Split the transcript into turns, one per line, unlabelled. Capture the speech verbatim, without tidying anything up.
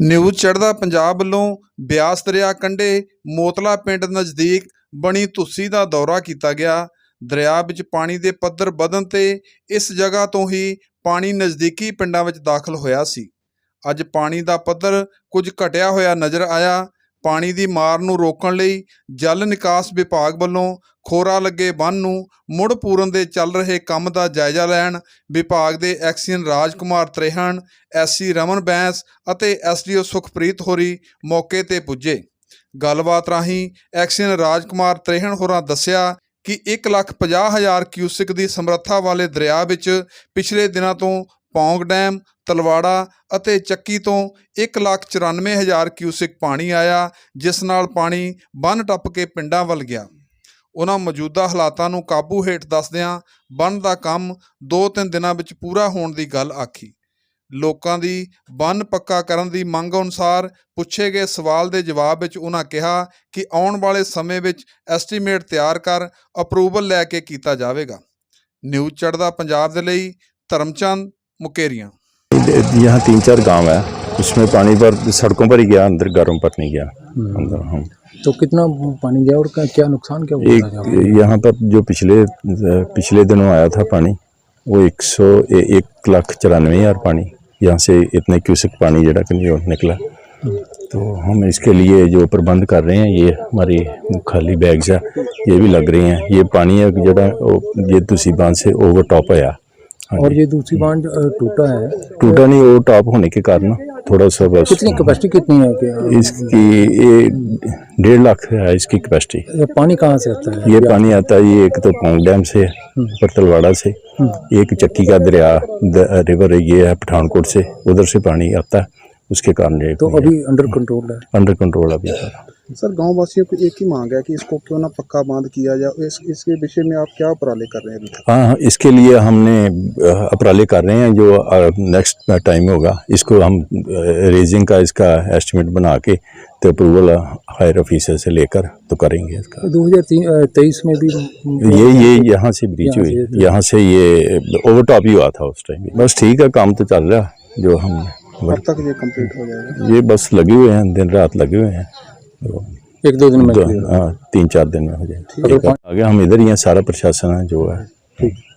News चढ़दा पंजाब ਵੱਲੋਂ ਬਿਆਸ ਦਰਿਆ ਕੰਢੇ ਮੋਤਲਾ ਪਿੰਡ ਨਜ਼ਦੀਕ ਬਣੀ ਧੁੱਸੀ ਦਾ ਦੌਰਾ ਕੀਤਾ ਗਿਆ। ਦਰਿਆ ਵਿੱਚ ਪਾਣੀ ਦੇ ਪੱਧਰ ਵਧਣ ਤੇ ਇਸ ਜਗ੍ਹਾ ਤੋਂ ਹੀ ਪਾਣੀ ਨਜ਼ਦੀਕੀ ਪਿੰਡਾਂ ਵਿੱਚ ਦਾਖਲ ਹੋਇਆ ਸੀ। ਅੱਜ ਪਾਣੀ ਦਾ ਪੱਧਰ ਕੁਝ ਘਟਿਆ ਹੋਇਆ ਨਜ਼ਰ ਆਇਆ। ਪਾਣੀ ਦੀ ਮਾਰ ਨੂੰ ਰੋਕਣ ਲਈ ਜਲ ਨਿਕਾਸ ਵਿਭਾਗ ਵੱਲੋਂ ਖੋਰਾ ਲੱਗੇ ਬੰਨ੍ਹ ਨੂੰ ਮੁੜ ਪੂਰਨ ਦੇ ਚੱਲ ਰਹੇ ਕੰਮ ਦਾ ਜਾਇਜ਼ਾ ਲੈਣ ਵਿਭਾਗ ਦੇ ਐਕਸੀਅਨ ਰਾਜ ਕੁਮਾਰ ਤ੍ਰੇਹਣ, ਐਸਸੀ ਰਮਨ ਬੈਂਸ ਅਤੇ ਐਸਡੀਓ ਸੁਖਪ੍ਰੀਤ ਹੋਰੀ ਮੌਕੇ ਤੇ ਪੁੱਜੇ। ਗੱਲਬਾਤ ਰਾਹੀਂ ਐਕਸੀਅਨ ਰਾਜ ਕੁਮਾਰ ਤ੍ਰੇਹਣ ਹੋਰਾਂ ਦੱਸਿਆ ਕਿ ਇੱਕ ਲੱਖ ਪੰਜਾਹ ਹਜ਼ਾਰ ਕਿਊਸਿਕ ਦੀ ਸਮਰੱਥਾ ਵਾਲੇ ਦਰਿਆ ਵਿੱਚ ਪਿਛਲੇ ਦਿਨਾਂ ਤੋਂ ਪੌਂਗ ਡੈਮ, ਤਲਵਾੜਾ ਅਤੇ ਚੱਕੀ ਤੋਂ ਇੱਕ ਲੱਖ ਚੁਰਾਨਵੇਂ ਹਜ਼ਾਰ ਕਿਊਸਿਕ ਪਾਣੀ ਆਇਆ, ਜਿਸ ਨਾਲ ਪਾਣੀ ਬੰਨ੍ਹ ਟੱਪ ਕੇ ਪਿੰਡਾਂ ਵੱਲ ਗਿਆ। ਉਹਨਾਂ ਮੌਜੂਦਾ ਹਾਲਾਤਾਂ ਨੂੰ ਕਾਬੂ ਹੇਠ ਦੱਸਦਿਆਂ ਬੰਨ੍ਹ ਦਾ ਕੰਮ ਦੋ ਤਿੰਨ ਦਿਨਾਂ ਵਿੱਚ ਪੂਰਾ ਹੋਣ ਦੀ ਗੱਲ ਆਖੀ। ਲੋਕਾਂ ਦੀ ਬੰਨ੍ਹ ਪੱਕਾ ਕਰਨ ਦੀ ਮੰਗ ਅਨੁਸਾਰ ਪੁੱਛੇ ਗਏ ਸਵਾਲ ਦੇ ਜਵਾਬ ਵਿੱਚ ਉਹਨਾਂ ਕਿਹਾ ਕਿ ਆਉਣ ਵਾਲੇ ਸਮੇਂ ਵਿੱਚ ਐਸਟੀਮੇਟ ਤਿਆਰ ਕਰ ਅਪਰੂਵਲ ਲੈ ਕੇ ਕੀਤਾ ਜਾਵੇਗਾ। ਨਿਊਜ਼ ਚੜ੍ਹਦਾ ਪੰਜਾਬ ਦੇ ਲਈ ਧਰਮचंद मुकेरिया।
यहाँ तीन चार गांव है, उसमें पानी पर सड़कों पर ही गया, अंदर घरों पर नहीं गया अंदर। हम
तो कितना पानी गया और क्या नुकसान क्या हुआ?
एक यहाँ पर जो पिछले पिछले दिनों आया था पानी, वो एक सौ एक लाख चौरानवे हज़ार पानी यहाँ से इतने क्यूसिक पानी जरा कि नहीं निकला। तो हम इसके लिए जो प्रबंध कर रहे हैं, ये हमारी खाली बैग्स है ये भी लग रही हैं। ये पानी है जरा ये दूसरी बांध से ओवर टॉप आया
और ये दूसरी बांध टूटा है।
टूटा नहीं, वो टॉप होने के कारण थोड़ा सा बस।
कितनी कैपेसिटी कितनी है क्या?
इसकी ये डेढ़ लाख है इसकी कैपेसिटी।
ये पानी कहाँ से आता है?
ये पानी आता है, ये एक तो पौंग डैम से, पर तलवाड़ा से, एक चक्की का दरिया रिवर ये है पठानकोट से, उधर से पानी आता है, उसके कारण।
तो अभी अंडर कंट्रोल है?
अंडर कंट्रोल अभी
सर, गांव वासियों को एक ही मांग है कि इसको क्यों ना पक्का बांध किया जाए। इस इसके विषय में आप क्या उपराले कर रहे हैं?
हाँ, इसके लिए हमने उपराले कर रहे हैं। जो नेक्स्ट टाइम होगा इसको हम रेजिंग का इसका एस्टिमेट बना के तो अप्रूवल हायर ऑफिसर से लेकर तो करेंगे इसका।
दो हज़ार तेईस में भी
ये ये यहाँ से ब्रीच हुई, यहाँ से ये ओवरटॉप ही हुआ था उस टाइम। बस ठीक है, काम तो चल रहा है। जो हम
कब तक ये कंप्लीट हो जाएगा?
ये बस लगे हुए हैं, दिन रात लगे हुए हैं। तो
एक दो दिन में?
हाँ, तीन चार दिन में हो जाए। आगे हम इधर ही हैं, सारा प्रशासन है जो है।